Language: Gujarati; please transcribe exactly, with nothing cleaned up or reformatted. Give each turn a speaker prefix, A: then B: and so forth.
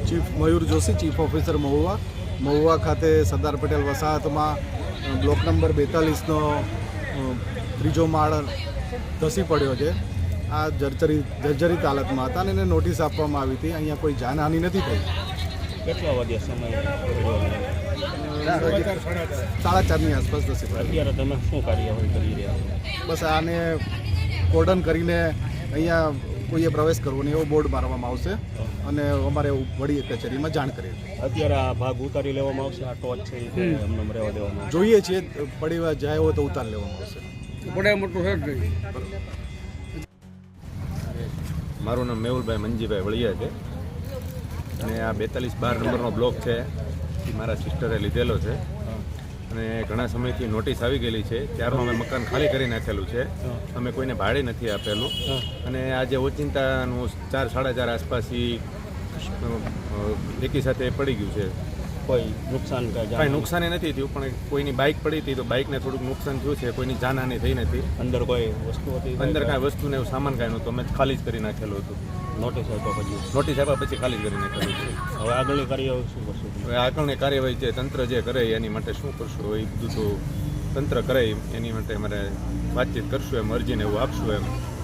A: Chief Mayur Joshi, chief officer Mahuva. Mahuva ખાતે સરદાર પટેલ વસાહતમાં બ્લોક નંબર બેતાલીસનો ત્રીજો માળ ધસી પડ્યો છે. આ જર્જરિત જર્જરિત હાલતમાં હતા અને એને નોટિસ આપવામાં આવી હતી. અહીંયા કોઈ જાનહાનિ નથી થઈ.
B: કેટલા વાગ્યા સમય
A: સાડા ચારની આસપાસ ધસી પડ્યો.
B: અત્યારે તમે શું કાર્યવાહી કરી રહ્યા છો?
A: બસ આને કોર્ડન કરીને અહીંયા કોઈએ પ્રવેશ કરવો નહીં એવો બોર્ડ મારવામાં આવશે અને અમારે વડી કચેરીમાં જાણ કરી.
B: અત્યારે આ ભાગ ઉતારી લેવામાં આવશે, આ ટોચ છે એ એમને રહેવા દેવામાં આવશે.
A: જોઈએ છીએ પડી જાય હોય તો ઉતાર લેવામાં આવશે.
C: મારું નામ મેહુલભાઈ મંજીભાઈ વળિયા છે અને આ બેતાલીસ બાર નંબરનો બ્લોક છે એ મારા સિસ્ટરે લીધેલો છે અને ઘણા સમયથી નોટિસ આવી ગયેલી છે. ત્યારનું અમે મકાન ખાલી કરી નાખેલું છે. અમે કોઈને ભાડે નથી આપેલું અને આજે ઓચિંતાનું ચાર સાડા ચાર આસપાસ એ એકી સાથે પડી ગયું છે.
B: કોઈ નુકસાન
C: કાંઈ નુકસાની નથી થયું, પણ કોઈની બાઇક પડી હતી તો બાઇકને થોડુંક નુકસાન થયું છે. કોઈની જાનહાની થઈ નથી.
B: અંદર કોઈ વસ્તુ હતી?
C: અંદર કાંઈ વસ્તુને એવું સામાન કાંઈ નહોતું. અમે ખાલી જ કરી નાખેલું હતું.
B: નોટિસ આપ્યા પછી
C: નોટિસ આપ્યા પછી ખાલી કરી નાખેલું છે.
B: હવે આગળની કાર્યવાહી શું કરશું?
C: હવે આગળની કાર્યવાહી છે તંત્ર જે કરે એની માટે શું કરશું એ બધું તો તંત્ર કરે એની માટે અમારે વાતચીત કરશું એમ, અરજીને એવું આપશું એમ.